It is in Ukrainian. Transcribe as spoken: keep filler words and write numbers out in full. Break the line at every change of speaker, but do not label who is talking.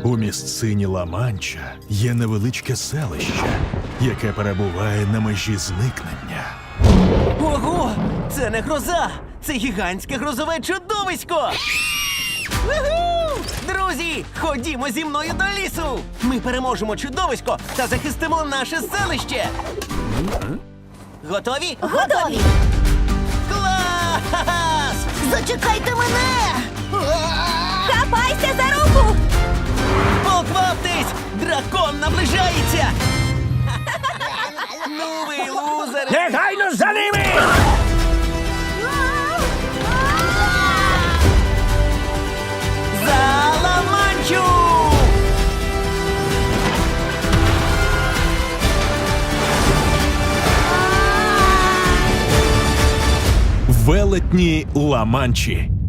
У місцині Ла-Манча є невеличке селище, яке перебуває на межі зникнення.
Ого! Це не гроза! Це гігантське грозове чудовисько! Уху! Друзі, ходімо зі мною до лісу! Ми переможемо чудовисько та захистимо наше селище! Готові?
Готові!
Клас!
Зачекайте мене! Хапайся за руку!
Покваптесь! Дракон наближається! Ну ви лузери!
Негайно за ними!
За Ла-Манчу!
Велетні Ла-Манчі.